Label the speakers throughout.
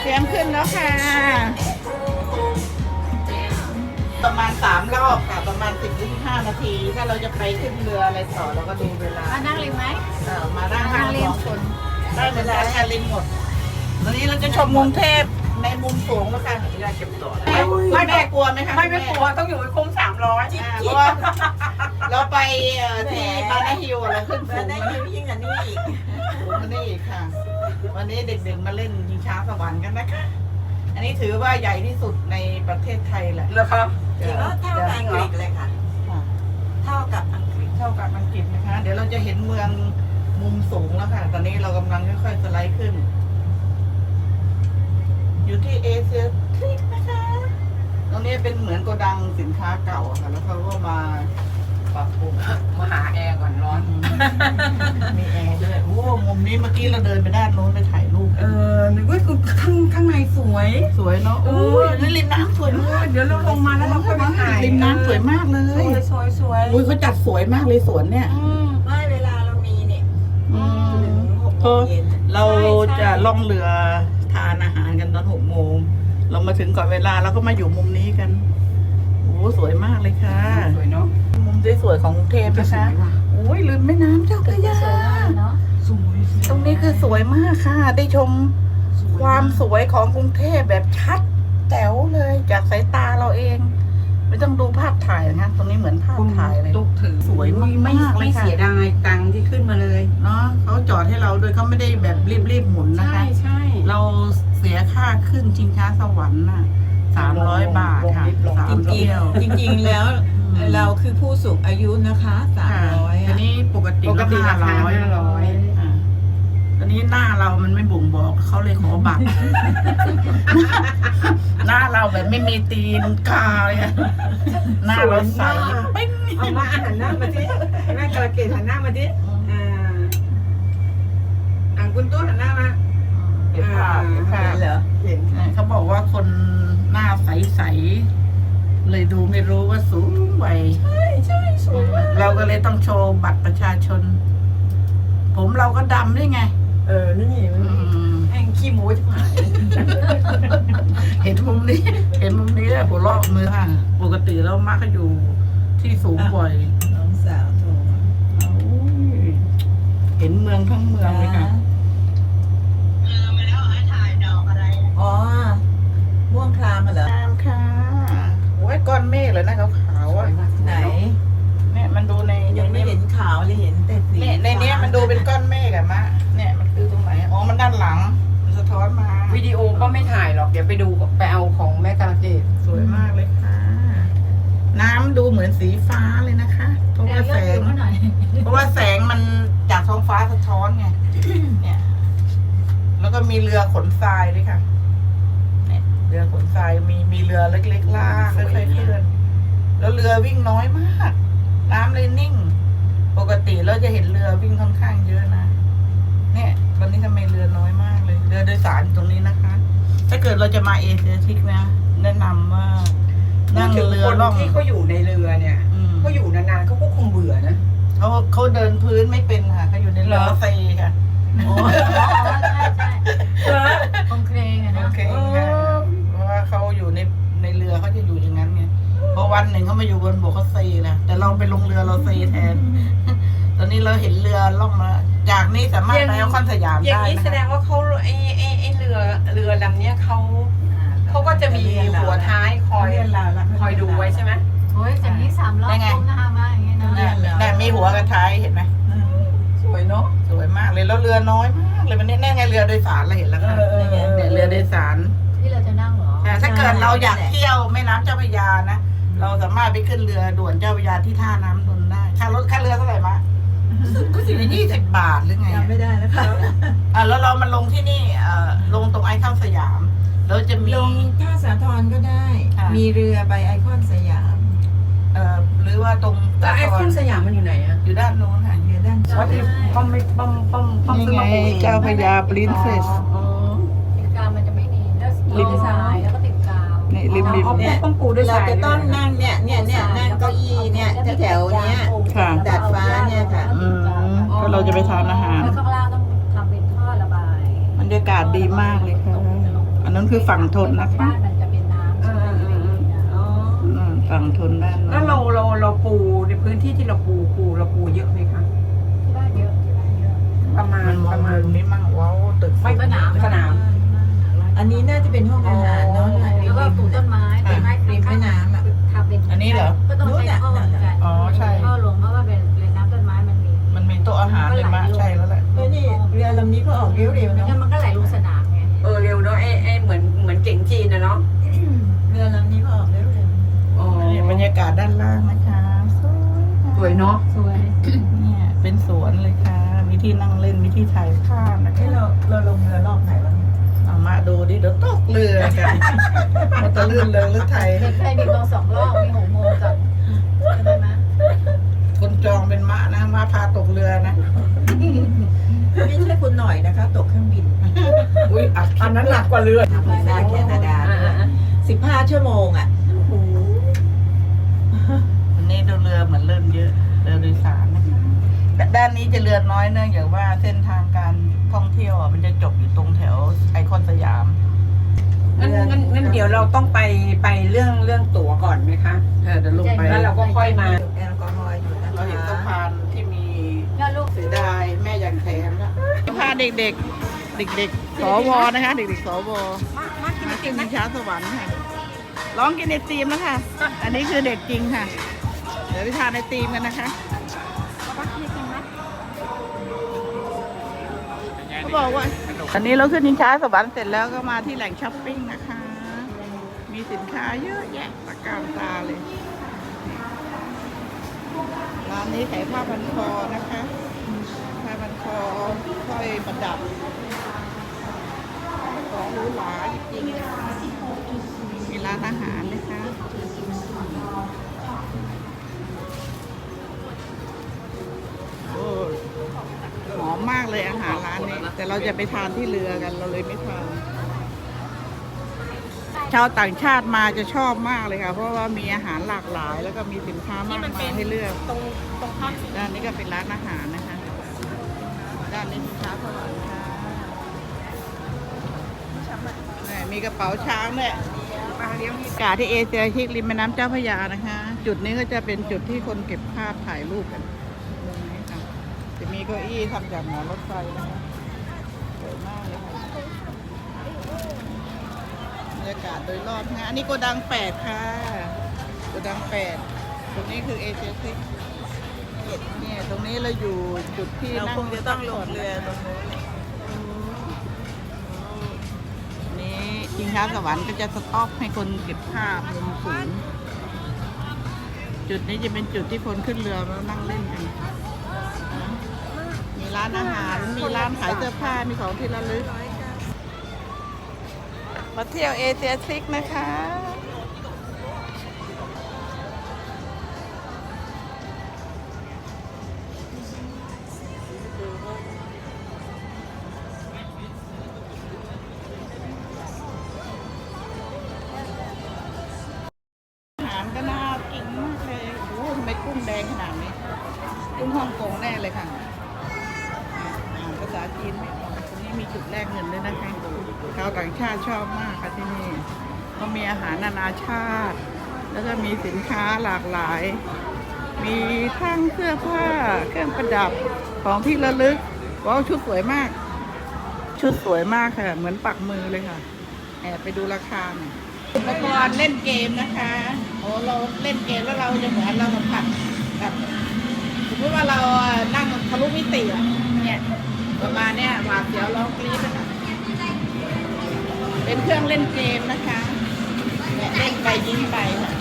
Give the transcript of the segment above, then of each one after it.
Speaker 1: เตรียมขึ้นแล้วค่ะ ประมาณ3 รอบค่ะ ประมาณ10-15 นาที ถ้าเราจะไปขึ้นเรืออะไรต่อเราก็ดูเวลา
Speaker 2: มานั่งริมไหม
Speaker 1: มานั่งทาง2 คนได้เวลาการลิมหมดวันนี้เราจะชมกรุงเทพในมุมสูงแล้วค่ะอยากเก็บตัวไม่แม่กลัวไหมคะ
Speaker 3: ไม่กลัวต้องอยู่ให้คุ้ม300
Speaker 1: เพราะว่าเราไปที่บานาฮิลเราขึ้นสูง
Speaker 3: ได้ยิวยิ่งกว่านี้อีก
Speaker 1: สูงกว่านี้อีกค่ะ วันนี้เด็กๆมาเล่นยิงช้าสวรรค์กันนะคะ อันนี้ถือว่าใหญ่ที่สุดในประเทศไทยแหละ
Speaker 3: เหรอครับจริงแล้วเท่ากับอังกฤษเลยค่ะ
Speaker 1: ค่ะ
Speaker 3: เท่ากับอังกฤษ
Speaker 1: เท่ากับอังกฤษนะคะ เดี๋ยวเราจะเห็นเมืองมุมสูงแล้วค่ะ ตอนนี้เรากำลังค่อยๆสไลด์ขึ้น อยู่ที่เอเชียทริปนะคะ ตรงนี้เป็นเหมือนโกดังสินค้าเก่าค่ะ แล้วเขาก็มาปรับปรุง
Speaker 3: มาหาแอร์ก่อนร้อน
Speaker 1: มีแอร์ด้วยโอ้มุมนี้เมื่อกี้เราเดินไปด้านโน้นไปถ่ายรูป
Speaker 3: นึกว่าข้างในสวย
Speaker 1: สวยเนาะโอ้ยนี่ริมน้ำสวยมาก
Speaker 3: เดี๋ยวเราลงมาแล้วเราค่อยไปถ่าย
Speaker 1: ริมน้ำสวยมากเลย
Speaker 3: สวย
Speaker 1: อุ้ยเขาจัดสวยมากเลยสวนเนี่ย
Speaker 3: ไม่เวลาเรามีเนี่ย
Speaker 1: ก็เราจะล่องเรือทานอาหารกันตอน6 โมง เรามาถึงก่อนเวลาเราก็มาอยู่มุมนี้กันโอ้สวยมากเลยค่ะ
Speaker 3: สวยเนาะ
Speaker 1: มุมสวยๆของกรุงเทพนะคะโอ้ยลืมแม่น้ำเจ้าพระยา
Speaker 2: เนาะ
Speaker 3: สวย
Speaker 1: ตรงนี้คือสวยมากค่ะ ได้ชมความสวยของกรุงเทพแบบชัดแจ๋วเลยจากสายตาเราเอง ไม่ต้องดูภาพถ่ายนะคะตรงนี้เหมือนภาพถ่ายเลย
Speaker 3: ตุกถือ
Speaker 1: สวยมากๆเลย
Speaker 3: ไม่
Speaker 1: ค่ะ
Speaker 3: เสียดายตังค์ที่ขึ้นมาเลย
Speaker 1: เนาะเขาจอดให้เราโดยเขาไม่ได้แบบรีบๆหมุนนะคะ
Speaker 3: ใช่
Speaker 1: เราเสียค่าขึ้นชิงช้าสวรรค์น่ะ300 บาทค่ะ3 เที่ยว
Speaker 3: จริงๆแล้วเราคือผู้สูงอายุนะคะ300
Speaker 1: อันนี้ปกติ
Speaker 3: ปกติราคา
Speaker 1: 500อ่ะตอนนี้หน้าเรามันไม่บ่งบอกเขาเลยขอบัตร หน้าเราแบบไม่มีตีนกาเลยอะหน้าเราใสปิ้ง
Speaker 3: เอามาหันหน้ามาที่แม่กระเกดหันหน้ามาที่คุณตู้หันหน้ามา
Speaker 1: เก็บภาพเก็บภาพ
Speaker 3: เหรอเห็น
Speaker 1: เขาบอกว่าคนหน้าใสๆเลยดูไม่รู้ว่าสูงวัย
Speaker 3: ใช่สวยมาก
Speaker 1: เราก็เลยต้องโชว์บัตรประชาชน ผมเราก็ดำด้วยไง
Speaker 3: นี่
Speaker 1: อืม
Speaker 3: แองขี้หมูจะหาย
Speaker 1: เห็นมุมนี้ เห็นมุมนี้แล้วหัวเราะมือค่ะ ปกติแล้วมักก็อยู่ที่สูงบ่อย
Speaker 3: น้องสาวโทรมา
Speaker 1: โอ้ยเห็นเมืองทั้งเมืองเลยค่ะ
Speaker 3: อ๋อม่วงคลามเหรอ
Speaker 1: งามค่ะโอ้ยก้อนเมฆเลยนะขาวๆอ่ะ
Speaker 3: ไหน
Speaker 1: เนี่ยมันดูใน
Speaker 3: ยังไม่เห็นขาวเลยเห็นแต่สี
Speaker 1: เนี่ยในเนี้ยมันดูเป็นก้อนเมฆอะมะเนี่ยมันคือตรงไหนอ๋อมันด้านหลังมันสะท้อนมา
Speaker 4: วิดีโอก็ไม่ถ่ายหรอก เดี๋ยวไปดูไปเอาของแม่กาลเกต
Speaker 1: สวยมากเลยค่ะ น้ำดูเหมือนสีฟ้าเลยนะคะ เพราะว่าแสง
Speaker 2: หน่อย
Speaker 1: เพราะว่าแสงมันจากท้องฟ้าสะท้อนไง เนี่ย แล้วก็มีเรือขนทรายด้วยค่ะ เนี่ยเรือขนทรายมีเรือเล็กๆลากค่อยๆเคลื่อน แล้วเรือวิ่งน้อยมาก น้ำเลยนิ่ง ปกติเราจะเห็นเรือวิ่งค่อนข้างเยอะนะ เนี่ยวันนี้ทำไมเรือน้อยมากเลย เรือโดยสารตรงนี้นะคะ ถ้าเกิดเราจะมาเอเชียทิกนะ แนะนำว่านั่งเรือ
Speaker 4: คน
Speaker 1: ล่อง
Speaker 4: ที่เขาอยู่ในเรือเนี่ย
Speaker 1: อืม
Speaker 4: เขาอยู่นานๆเขาก็คงเบื่อนะ
Speaker 1: เขาเดินพื้นไม่เป็นค่ะเขาอยู่ในเรือเซค่ะ
Speaker 2: ใช่คงเครงอะ
Speaker 1: โอ
Speaker 2: นะ
Speaker 1: เคค่ะเพราะว่าเขาอยู่ในเรือเขาจะอยู่อย่างนั้นไงพอวันหนึ่งเขามาอยู่บนบกเขาเซนะแต่เราไปลงเรือเราเซแทน ตอนนี้เราเห็นเรือล่องมาจากนี้สามารถไปเอาคอนสยาม
Speaker 4: อย่าง
Speaker 1: ได้
Speaker 4: นี้
Speaker 1: นะ
Speaker 4: แสดง
Speaker 1: คะ
Speaker 4: ว่าเขาไอ้เรือลำเนี้ยเขาก็จะมีหัวท้ายคอยดูไว้ใช่ไหม
Speaker 2: โอ้ยจากนี้3 รอบก้มหน้ามาอย่างเงี้ยเนาะ
Speaker 1: เนี่ยมีหัวกระท้ายเห็นไหม
Speaker 4: สวยเนาะ
Speaker 1: สวยมากเลยแล้วเรือน้อยมากเลยวันนี้แน่ไงเรือโดยสารเราเห็นแล้วค่ะเนี่ยเรือโดยสาร
Speaker 2: ที่เราจะนั่งเหรอ
Speaker 1: แต่ถ้าเกิดเราอยากเที่ยวแม่น้ำเจ้าพระยานะ เราสามารถไปขึ้นเรือด่วนเจ้าพระยาที่ท่าน้ำนนท์ได้ค่าเรือเท่าไหร่มาก็20 บาทหรือไง
Speaker 3: จำไม่ได้แล้วค่ะ
Speaker 1: แล้วเรามาลงที่นี่ลงตรงไอคอนสยามแล้วจะมี
Speaker 3: ลงท่าสาทรก็ได้
Speaker 1: ค่ะ
Speaker 3: มีเรือไปไอคอนสยาม
Speaker 1: หรือว่าตรง
Speaker 4: แล้วไอคอนสยามมันอยู่ไหนอะ
Speaker 1: อยู่ด้านโน้นค่ะ
Speaker 3: เรือด้าน
Speaker 4: ว่าที่ป้อมซื้อมาปลูกเอง
Speaker 1: เจ้าพระยาปรินเซส
Speaker 2: ติดกาวมันจะไม่ดีแล้วติดทรายแล้วก็ติดกาว
Speaker 1: นี่ริม
Speaker 3: เนี่ย
Speaker 4: ต้องปูด้วย
Speaker 3: เรา
Speaker 4: สาย
Speaker 3: จะต้องนั่งเนี่ยนั่งเก้าอี้เนี่ยแถวๆเนี้ย
Speaker 1: ค่ะ
Speaker 3: ดาดฟ้าเนี่ยค่ะ
Speaker 1: ก็เราจะไปทานอาหาร
Speaker 2: แล้วข้างล่างต้องทำเป็นท่อระบาย
Speaker 1: บรรยากาศดีมากเลยค่ะนนั้นคือฝั่งทนนะคะ
Speaker 2: บ้านมันจะเป็นน้ำ
Speaker 4: อ๋อ
Speaker 1: ฝั่งทนด้าน
Speaker 4: แล้วเราปูในพื้นที่ที่เราปูเยอะไหมคะ
Speaker 2: ที่บ้านเยอะที่บ้านเยอะ
Speaker 4: ประมา
Speaker 1: มั
Speaker 4: ณ
Speaker 1: นมองมุมนี้มั่งว้าวตึก
Speaker 4: ไม่สนาม
Speaker 3: อันนี้น่าจะเป็นห้องอาหารเนาะ
Speaker 2: แล้วก็ปลูกต้นไม้ต้นไม้
Speaker 3: ริมแม่น้ำอ่ะ
Speaker 2: ทำเป็น
Speaker 1: อันนี้เหรอ
Speaker 2: ก็ต้องใช้ท่อเหมือนกัน
Speaker 1: อ๋อใช่
Speaker 2: ท่อลงเพราะว่าเป็นน้ำต้นไม้มันมี
Speaker 1: มันมีโต๊ะอาหารเลยมะใช่แล้วแหละ
Speaker 3: เฮ้ยนี่เรือลำนี้ก็ออกเร็วๆ
Speaker 2: แล้ว
Speaker 3: เนาะ
Speaker 2: มันก็ไหลลงสนามไง
Speaker 4: เร็วเนาะไอ้เหมือนเก่งจีนนะเนาะ
Speaker 3: เรือลำนี้ก็ออกเร็ว
Speaker 4: อ๋อ
Speaker 1: นี่บรรยากาศด้านล่างนะคะสวย
Speaker 4: สวยเนาะ
Speaker 2: สวย
Speaker 1: เนี่ยเป็นสวนเลยค่ะ มีที่นั่งเล่นมีที่ถ่ายภาพนะ
Speaker 3: ๆให้
Speaker 1: คะ
Speaker 3: เราลงเรือรอบไหนวะเนี่ย
Speaker 1: เอามาดูดิเดี๋ยวตกเรือกันมันจะลื่นเลยหรือไทย
Speaker 2: เด็กเคยมีลง2 รอบมี6 โมงกับใช่ไหม
Speaker 1: คนจองเป็นมะนะมาพาตกเรือนะ
Speaker 3: ไม่ใช่คุณหน่อยนะคะ ตกเครื่องบิน
Speaker 1: อุ้ยอัด
Speaker 4: อันนั้นหนักกว่าเรือ
Speaker 3: วีซ่าแคนาดา15 ชั่วโมงอ่ะ
Speaker 1: วันนี้ดูเรือเหมือนเริ่มเยอะเรือโดยสารนะคะแต่ด้านนี้จะเรือน้อยเนื่องจากว่าเส้นทางการท่องเที่ยวอ่ะมันจะจบอยู่ตรงแถวไอคอนสยาม
Speaker 4: งั้นเดี๋ยวเราต้องไปเรื่องตั๋วก่อนไหมคะ
Speaker 1: เดี๋ยวลงไป
Speaker 4: แล้วเราก็ค่อยมา
Speaker 3: แอลกอฮอล์อยู่นะ
Speaker 1: เราเห็นสะพานที่มี
Speaker 2: แล้วลูก
Speaker 1: เสียดายแม่อยากแถมแล้วพาเด็กๆ เด็กๆสวนะคะ เด็กๆสวมาขึ้นชิงช้าสวรรค์ค่ะร้องกินไอติมแล้วค่ะ อันนี้คือเด็กจริงค่ะ เดี๋ยวไปทานไอติมกันนะคะเขาบอกว่าอันนี้เราขึ้นชิงช้าสวรรค์เสร็จแล้วก็มาที่แหล่งช้อปปิ้งนะคะ มีสินค้าเยอะแยะตะการตาเลย ร้านนี้ขายผ้าพันคอนะคะ ผ้าพันคอสร้อยประดับ ของหรูหราจริงๆนะคะมีร้านอาหารนะคะ โอ้หอมมากเลยอาหารร้านนี้ แต่เราจะไปทานที่เรือกันเราเลยไม่ทาน ชาวต่างชาติมาจะชอบมากเลยค่ะ เพราะว่ามีอาหารหลากหลาย แล้วก็มีสินค้ามากมายให้เลือก
Speaker 4: ตรงข้าม
Speaker 1: ด้านนี้ก็เป็นร้านอาหารนะคะ ด้านนี้สินค้าสวรรค์ค่ะมีกระเป๋าช้างด้วยมาเลี้ยงกาที่เอเชียชิกริมแม่น้ำเจ้าพระยานะคะ จุดนี้ก็จะเป็นจุดที่คนเก็บภาพถ่ายรูปกันตรงนี้ค่ะจะมีเก้าอี้ทำจากหมอนรถไฟนะคะสวยมากเลยค่ะบรรยากาศโดยรอบนะอันนี้โกดัง8ค่ะโกดัง8ตรงนี้คือเอเชียชิกเนี่ยตรงนี้เราอยู่จุดที่
Speaker 3: เรา
Speaker 1: นั่ง
Speaker 3: คงจะต้องลงเรือตรงนู้น
Speaker 1: นี่ชิงช้าสวรรค์ก็จะสต็อกให้คนเก็บภาพมุมสูงจุดนี้จะเป็นจุดที่คนขึ้นเรือแล้วนั่งเล่นกันมีร้านอาหารมีร้านขายเสื้อผ้ามีของที่ระลึกมาเที่ยวเอเชียซิกนะคะอาหารก็น่ากินมากเลยโอ้โหทำไมกุ้งแดงขนาดนี้กุ้งฮ่องกงแน่เลยค่ะอ่านภาษาจีนไม่ออกตรงนี้มีจุดแลกเงินด้วยนะคะชาวต่างชาติชอบมากค่ะที่นี่ก็มีอาหารนานาชาติ แล้วก็มีสินค้าหลากหลาย มีทั้งเสื้อผ้าเครื่องประดับของที่ระลึกว้าวชุดสวยมาก ชุดสวยมากค่ะ เหมือนปักมือเลยค่ะแอบไปดูราคาหน่อยอุปกรณ์เล่นเกมนะคะโอ้เราเล่นเกมแล้วเราจะเหมือนเราสัมผัสแบบสมมติว่าเรานั่งทะลุมิติอะเนี่ยประมาณเนี้ยหวาดเสียวร้องกรี๊ดนะคะเป็นเครื่องเล่นเกมนะคะเนี่ยเล่นไปยิ้มไปค่ะ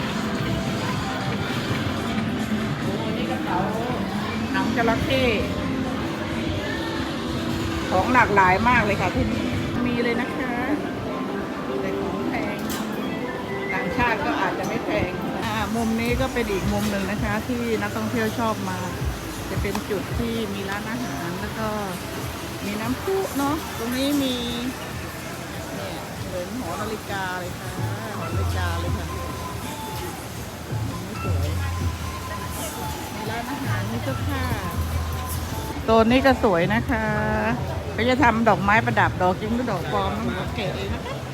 Speaker 1: โอ้นี่กระเป๋าหนังจระเข้ของหลากหลายมากเลยค่ะที่นี่มีเลยนะคะแต่ของแพงต่างชาติก็อาจจะไม่แพงมุมนี้ก็เป็นอีกมุมหนึ่งนะคะ ที่นักท่องเที่ยวชอบมา จะเป็นจุดที่มีร้านอาหารแล้วก็มีน้ำพุเนาะตรงนี้มีเนี่ยเหมือนหอนาฬิกาเลยค่ะหอนาฬิกาเลยค่ะสวยมีร้านอาหารมีเสื้อผ้าโซนนี้ก็สวยนะคะก็จะทำดอกไม้ประดับดอกจริงหรือดอกปลอมมันก็เก๋เลยนะคะ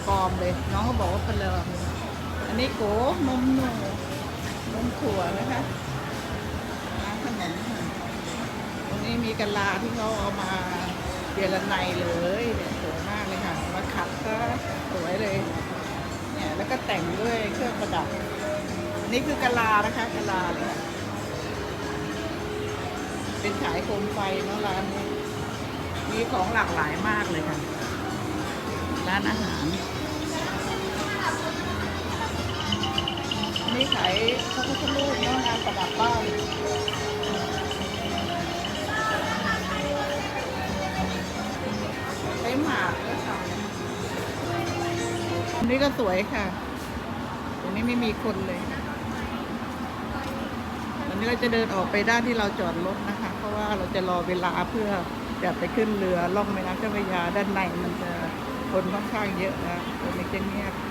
Speaker 1: ปลอมเลย น้องก็บอกว่าปลาเรืออันนี้โกนมหนูนมถั่วนะคะร้านขนมค่ะตรงนี้มีกะลาที่เขาเอามาเดียร์ไนเลยเนี่ยสวยมากเลยค่ะมาขัดก็สวยเลยเนี่ยแล้วก็แต่งด้วยเครื่องประดับนี่คือกะลานะคะกะลาเลยค่ะเป็นขายโคมไฟเนาะร้านนี้มีของหลากหลายมากเลยค่ะร้านอาหารนี่ขายพระพุทธรูปเนาะงานประดับบ้านใช้หมากด้วยค่ะอันนี้ก็สวยค่ะตรงนี้ไม่มีคนเลยตอนนี้เราจะเดินออกไปด้านที่เราจอดรถนะคะ เพราะว่าเราจะรอเวลาเพื่อจะไปขึ้นเรือล่องแม่น้ำเจ้าพระยาด้านในมันจะคนค่อนข้างเยอะนะตรงนี้จะเงียบ